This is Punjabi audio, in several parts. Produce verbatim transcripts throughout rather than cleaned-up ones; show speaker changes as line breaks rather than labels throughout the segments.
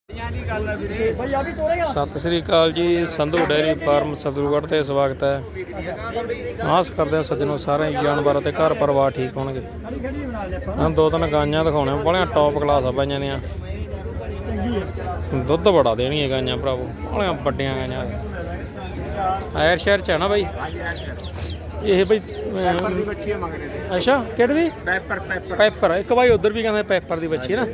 ਸਤਿ ਸ੍ਰੀ ਅਕਾਲ ਜੀ। ਸੰਧੂ ਡੇਅਰੀ ਫਾਰਮ ਸਤਿਗੁਰਗੜ੍ਹ ਤੇ ਸਵਾਗਤ ਹੈ। ਆਸ ਕਰਦੇ ਹਾਂ ਸੱਜਣੋ ਸਾਰੇ ਜਾਨਵਰ ਅਤੇ ਘਰ ਪਰਿਵਾਰ ਠੀਕ ਹੋਣਗੇ। ਹਾਂ ਦੋ ਤਿੰਨ ਗਾਈਆਂ ਦਿਖਾਉਣੇ ਬੜੀਆਂ ਟੌਪ ਕਲਾਸ ਆ ਬਾਈਆਂ ਦੀਆਂ। ਦੁੱਧ ਬੜਾ ਦੇਣੀਆਂ ਗਾਈਆਂ ਭਰਾਵੋ, ਬੜੀਆਂ ਵੱਡੀਆਂ ਗਾਈਆਂ। ਐਰ ਸ਼ਹਿਰ ਚ ਹੈ ਨਾ ਬਾਈ ਇਹ ਬਈ? ਅੱਛਾ ਕਿਹੜੀ ਦੀ? ਪੈਪਰ ਪੈਪਰ ਇੱਕ ਬਾਈ ਉਧਰ ਵੀ ਕਹਿੰਦੇ ਪੈਪਰ ਦੀ ਬੱਚੀ ਹੈ ਨਾ।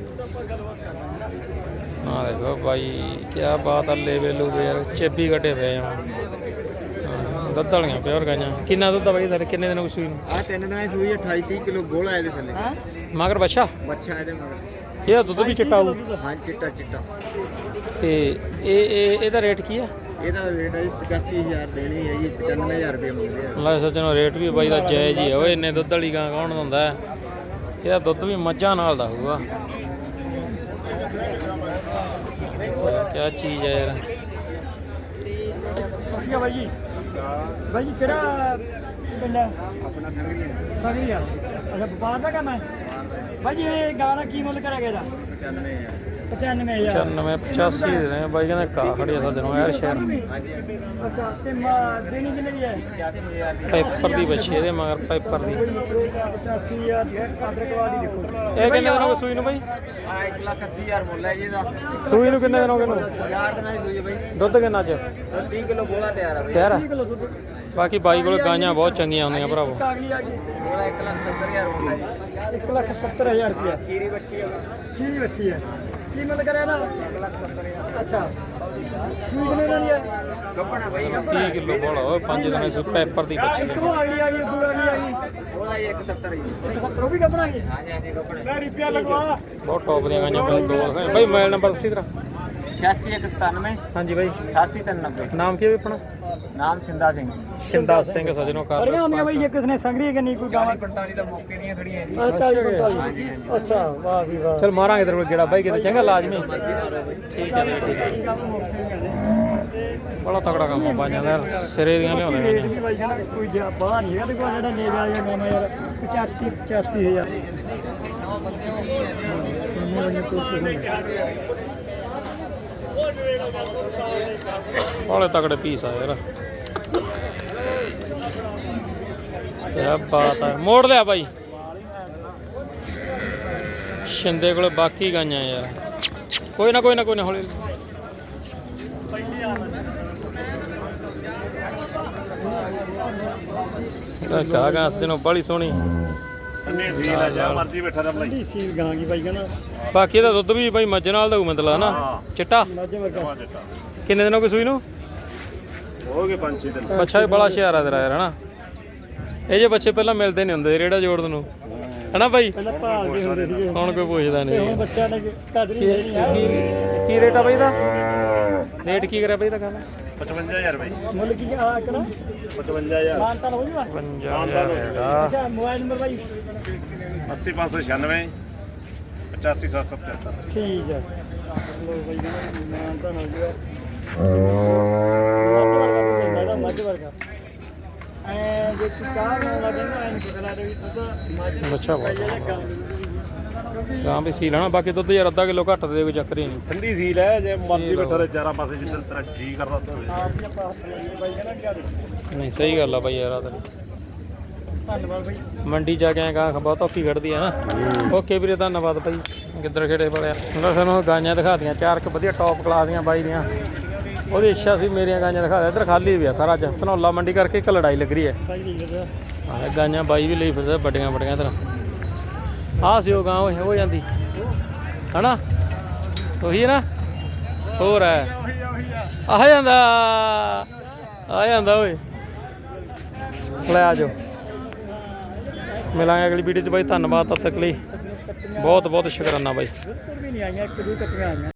हाँ देखो भाई क्या बात है, लेवे लूवे यार चेबी कटे पे दुध वालियां प्योर गाइयां। किन्ना दुध भाई सर किन्ने दिन सूई नूं?
आ तीन दिन सूई अठाई तीस किलो गोला है थले
मगर बच्चा
बच्चा है मगर
ये दुध भी चिट्टा हो?
हां चिट्टा चिट्टा।
ते ए ए एदा रेट की है?
ਇਹਦਾ ਰੇਟ ਹੈ ਜੀ ਪਚਾਸੀ ਹਜ਼ਾਰ ਦੇਣੀ ਹੈ ਜੀ, ਪਚਾਨਵੇਂ ਹਜ਼ਾਰ ਰੁਪਏ ਮੰਗਦੇ ਆ।
ਲੈ ਸੱਜਣੋ ਰੇਟ ਵੀ ਬਾਈ ਦਾ ਜਾਇਜ਼ ਹੀ ਹੈ। ਓਏ ਇੰਨੇ ਦੁੱਧ ਵਾਲੀ ਗਾਂ ਕੌਣ ਦਿੰਦਾ? ਇਹਦਾ ਦੁੱਧ ਵੀ ਮੱਝਾਂ ਨਾਲ ਦਾ ਹੋਊਗਾ। क्या चीज़ है यार।
ਸਸਿਆ ਬਾਈ ਜੀ। ਬਾਈ ਜੀ ਕਿਹੜਾ ਪਿੰਡ ਹੈ
ਆਪਣਾ ਸੰਗਲੀ
ਸੰਗਲੀ ਆ? ਅੱਛਾ ਵਪਾਰ ਦਾ ਕੰਮ ਹੈ ਬਾਈ ਜੀ। ਇਹ ਗਾਂ ਦਾ ਕੀ ਮੁੱਲ ਕਰਾਂਗੇ ਇਹਦਾ?
ਪਚਾਨਵੇਂ ਹਜ਼ਾਰ
ਪਚਾਨਵੇਂ ਹਜ਼ਾਰ
ਪਚਾਨਵੇਂ ਪਚਾਸੀ ਦੇ ਰਹੇ ਬਾਈ ਕਹਿੰਦੇ ਕਾ ਖੜੀ ਸੱਜਣੋ ਯਾਰ ਸ਼ਹਿਰ।
ਅੱਛਾ ਤੇ ਦੇਣੀ ਕਿੰਨੇ ਦੀ ਹੈ?
ਪਚਾਸੀ ਹਜ਼ਾਰ ਦੀ
ਪੈਪਰ ਦੀ ਬੱਚੀ ਇਹਦੇ ਮਗਰ ਪੈਪਰ ਦੀ।
ਪਚਾਸੀ ਹਜ਼ਾਰ ਦੀ ਕਾਦਰ ਕੁਆਲਿਟੀ ਦੇਖੋ।
ਇਹ ਕਿੰਨੇ ਦਿਨ ਹੋ ਗਏ ਸੂਈ ਨੂੰ ਬਾਈ?
ਆ ਇੱਕ ਲੱਖ ਅੱਸੀ ਹਜ਼ਾਰ ਮੁੱਲ ਹੈ ਜੀ ਇਹਦਾ।
ਸੂਈ ਨੂੰ ਕਿੰਨੇ ਦਿਨ ਹੋ ਗਏ ਨੂੰ?
ਚਾਰ ਦਿਨਾਂ ਦੀ ਸੂਈ ਹੈ ਬਾਈ।
ਦੁੱਧ ਕਿੰਨਾ ਅੱਜ?
ਤੀਹ ਕਿਲੋ ਗੋਲਾ ਤਿਆਰ ਹੈ ਬਾਈ।
ਤਿਆਰ ਆ?
ਕਿਲੋ ਦੁੱਧ
ਬਾਕੀ ਬਾਈ ਕੋਲ ਗਾਈਆਂ ਬਹੁਤ ਚੰਗੀਆਂ ਹੁੰਦੀਆਂ ਭਰਾਵੋ।
ਕਾਗਲੀ ਆ ਗਈ
ਉਹਦਾ ਇੱਕ ਲੱਖ ਸੱਤਰ ਹਜ਼ਾਰ ਮੁੱਲ ਹੈ ਜੀ।
ਇੱਕ ਲੱਖ ਸੱਤਰ ਹਜ਼ਾਰ ਰੁਪਇਆ
ਖੀਰੀ ਬੱਚੀ ਹੈ
ਕੀ ਬੱਚੀ ਹੈ? ਕੀ ਮੁੱਲ ਕਰਿਆ ਇਹਦਾ?
ਇੱਕ ਲੱਖ ਸੱਤਰ ਹਜ਼ਾਰ।
ਅੱਛਾ ਕੀ ਕਿੰਨੇ ਦੀ ਹੈ?
ਗੱਪਣਾ ਬਾਈ
ਤੀਹ ਕਿਲੋ ਬੋਲਾ ਓਏ ਪੰਜ ਦਿਨਾਂ ਸੂ ਪੈਪਰ ਦੀ ਬੱਚੀ।
ਇੱਕ ਉਹ ਅਗਲੀ ਆ ਗਈ ਦੂਰ ਅਗਲੀ ਆ ਗਈ
ਉਹਦਾ ਜੀ ਇੱਕ ਸੱਤਰ ਜੀ।
ਇੱਕ ਸੱਤਰ ਉਹ ਵੀ ਕੱਪਣਾ ਗਈ।
ਹਾਂਜੀ ਹਾਂਜੀ ਗੱਪਣਾ
ਮੈਂ ਰੁਪਿਆ ਲਗਵਾ
ਬਹੁਤ ਟੌਪ ਦੀਆਂ ਗਾਈਆਂ ਬਾਈ ਦੋ ਦਿਖਾਏ ਬਾਈ। ਮੋਬਾਈਲ ਨੰਬਰ ਦੱਸੀ ਤੇਰਾ।
ਛਿਆਸੀ ਇੱਕ ਸਤਾਨਵੇਂ
ਹਾਂਜੀ ਬਾਈ
ਅਠਾਸੀ ਤਿੰਨ ਨੱਬੇ।
ਨਾਮ ਕੀ ਹੈ ਆਪਣਾ?
ਨਾਮ ਸਿੰਦਾ ਸਿੰਘ।
ਸ਼ਿੰਦਾ ਸਿੰਘ ਸੱਜਣੋ ਕਰ
ਬੜੀਆਂ ਹੁੰਦੀਆਂ ਬਾਈ ਜੇ ਕਿਸ ਨੇ ਸੰਗਰੀ ਕਿ ਨਹੀਂ ਕੋਈ ਗਾਵਾਂ?
ਚਾਲੀ ਪੰਤਾਲੀ ਦਾ ਮੌਕੇ ਦੀਆਂ ਖੜੀਆਂ ਜੀ।
ਅੱਛਾ ਜੀ ਪੰਤਾਲੀ।
ਹਾਂਜੀ ਹਾਂਜੀ
ਅੱਛਾ ਵਾਹ ਵੀ ਵਾਹ।
ਚਲ ਮਾਰਾਂਗੇ ਤੇਰੇ ਕੋਲ ਗੇੜਾ ਬਾਈ ਕਿਤੇ ਚੰਗਾ ਲਾਜ਼ਮੀ। ਠੀਕ ਹੈ ਬਾਈ ਠੀਕ ਹੈ। ਬੜਾ ਤਕੜਾ ਕੰਮ ਆ ਬਾਈਆਂ ਦਾ ਯਾਰ, ਸਿਰੇ ਦੀਆਂ ਲਿਆਉਂਦੇ
ਰੇਟ
ਨੇ।
ਵੀ ਬਾਈ ਕਹਿੰਦਾ ਕੋਈ ਜਾ ਬਾਹਰ ਨਹੀਂ ਹੈਗਾ ਤੇ ਕੋਈ ਜਿਹੜਾ ਲੈ ਜਾ ਜਾਂਦਾ ਮੈਂ ਯਾਰ ਪਚਾਸੀ ਪਚਾਸੀ ਹਜ਼ਾਰ।
ਬਾਲੇ ਤਕੜੇ ਪੀਸ ਆ ਯਾਰ। ਕਿਆ ਬਾਤ ਹੈ। ਮੋੜ ਲਿਆ ਬਾਈ ਸ਼ਿੰਦੇ ਕੋਲੇ ਬਾਕੀ ਗਾਈਆਂ ਯਾਰ। ਕੋਈ ਨਾ ਕੋਈ ਨਾ ਕੋਈ ਨਾ ਹੌਲੀ ਕਾ ਗਾ ਸਜਣੋ ਬੜੀ ਸੋਹਣੀ।
ਸੀਲ ਆ ਜਾ ਮਰਜੀ ਬੈਠਾ ਰਹਿ ਭਾਈ।
ਸੀਲ ਗਾਂ ਕੀ ਬਾਈ ਕਹਿੰਦਾ।
ਬਾਕੀ ਇਹਦਾ ਦੁੱਧ ਵੀ ਬਾਈ ਮੱਝ ਨਾਲ ਦਾ ਮਤਲਬ ਨਾ ਚਿੱਟਾ।
ਮੱਝ ਵਰਗਾ
ਕਿੰਨੇ ਦਿਨ ਹੋ ਗਏ ਸੂਈ ਨੂੰ?
ਹੋ ਗਏ ਪੰਜ ਛੇ ਦਿਨ।
ਬੱਚਾ ਵੀ ਬੜਾ ਹੁਸ਼ਿਆਰ ਆ ਤੇਰਾ ਯਾਰ ਹਨਾ। ਇਹ ਜੇ ਬੱਚੇ ਪਹਿਲਾਂ ਮਿਲਦੇ ਨਹੀਂ ਹੁੰਦੇ ਰੇੜਾ ਜੋੜਨ ਨੂੰ ਹਨਾ ਬਾਈ।
ਪਹਿਲਾਂ ਭਾਲਦੇ ਹੁੰਦੇ ਸੀਗੇ
ਹੁਣ ਕੋਈ ਪੁੱਛਦਾ
ਤੇ ਹੁਣ
ਨਹੀਂ।
ਬੱਚਿਆਂ ਨੇ ਕਦਰ ਹੀ ਨਹੀਂ ਹੈ।
ਕੀ ਕੀ ਰੇਟ ਆ ਬਾਈ ਇਹਦਾ? ਰੇਟ ਕੀ ਕਰਿਆ ਬਾਈ ਇਹਦਾ ਗੱਲ?
ਪਚਵੰਜਾ ਹਜ਼ਾਰ ਭਾਈ।
ਮੁੱਲ ਕੀ ਆ ਕਰਾਂ?
ਪਚਵੰਜਾ ਹਜ਼ਾਰ।
ਮਾਨਤਾਨ ਹੋ ਜੂਗਾ?
ਪੰਜਾਹ ਹਜ਼ਾਰ ਰੇਟ ਆ।
ਅੱਛਾ ਮੋਬਾਈਲ ਨੰਬਰ ਬਾਈ?
ਅੱਸੀ ਪੰਜ ਸੌ ਛਿਆਨਵੇਂ ਪਚਾਸੀ ਸੱਤ ਸੌ ਪਚਹੱਤਰ।
ਠੀਕ ਹੈ ਲੋ ਬਾਈ ਮਾਨਤਾਨ ਹੋ ਜੂਗਾ। ਮੱਝ ਵਰਗਾ ਐ ਜੇ ਤੂੰ ਕਾਹ ਨਾ ਲੱਗੇ ਨਾ ਐਨ ਪਤਾ ਲੱਗੇ ਵੀ ਤੂੰ ਤਾਂ ਮੱਝ
ਬੱਚਾ ਬਹੁਤ
ਲੱਗਾ।
ਗਾਂ ਵੀ ਸੀ ਲੈਣਾ। ਬਾਕੀ ਦੁੱਧ ਯਾਰ ਅੱਧਾ ਕਿਲੋ ਘੱਟ ਦੇ ਕੋਈ ਚੱਕਰ ਹੀ ਨਹੀਂ।
ਠੰਡੀ ਸੀਲ ਹੈ, ਜੇ ਮਰਜੀ ਬੈਠਾ ਰਹੇ ਚਾਰਾਂ ਪਾਸੇ ਜਿੱਦਾਂ ਤੇਰਾ ਜੀ ਕਰਦਾ ਉੱਧਰ ਹੋਵੇ।
ਆਪ ਹੀ ਆਪਾਂ ਹੱਥ ਲਾਈਏ ਬਾਈ ਕਹਿੰਦਾ ਕਿਆ ਦੇ।
ਨਹੀਂ ਸਹੀ ਗੱਲ ਆ ਬਾਈ ਯਾਰ। ਆ ਤਾਂ
ਧੰਨਵਾਦ ਬਾਈ।
ਮੰਡੀ ਜਾ ਕੇ ਆਏ ਗਾਂ ਬਹੁਤ ਔਖੀ ਖੜਦੀ ਆ ਨਾ। ਓਕੇ ਵੀਰੇ ਧੰਨਵਾਦ ਬਾਈ। ਗਿੱਦੜ ਖੇੜੇ ਵਾਲਿਆ ਉਹਨਾਂ ਸਾਨੂੰ ਗਾਈਆਂ ਦਿਖਾਤੀਆਂ ਚਾਰ ਕੁ ਵਧੀਆ ਟੌਪ ਕਲਾਸ ਦੀਆਂ ਬਾਈ ਦੀਆਂ। ਉਹਦੀ ਇੱਛਾ ਸੀ ਮੇਰੀਆਂ ਗਾਈਆਂ ਦਿਖਾ ਦੇ। ਇੱਧਰ ਖਾਲੀ ਵੀ ਆ ਸਾਰਾ ਅੱਜ ਧਨੌਲਾ ਮੰਡੀ ਕਰਕੇ ਇੱਕ ਲੜਾਈ ਲੱਗ ਰਹੀ ਹੈ।
ਬਾਈ ਨਹੀਂ ਕਰਦਾ
ਆਹ ਗਾਈਆਂ ਬਾਈ ਵੀ ਲਈ ਫਿਰਦਾ ਵੱਡੀਆਂ ਵੱਡੀਆਂ ਇੱਧਰ। ਆਹ ਸੀ ਉਹ ਗਾਂ ਉਹ ਹੋ ਜਾਂਦੀ ਹਨਾ ਉਹੀ ਹੈ ਨਾ। ਹੋਰ ਹੈ ਆ ਜਾਂਦਾ ਆ ਜਾਂਦਾ ਓਏ। ਲੈ ਆ ਜਾਓ ਮਿਲਾਂਗੇ ਅਗਲੀ ਵੀਡੀਓ 'ਚ ਬਾਈ। ਧੰਨਵਾਦ ਤਦ ਤੱਕ ਲਈ ਬਹੁਤ ਬਹੁਤ ਸ਼ੁਕਰਾਨਾ ਬਾਈ।
ਵੀ ਨਹੀਂ ਆਈਆਂ ਇੱਕ ਦੋ ਕੱਟੀਆਂ ਆਈਆਂ।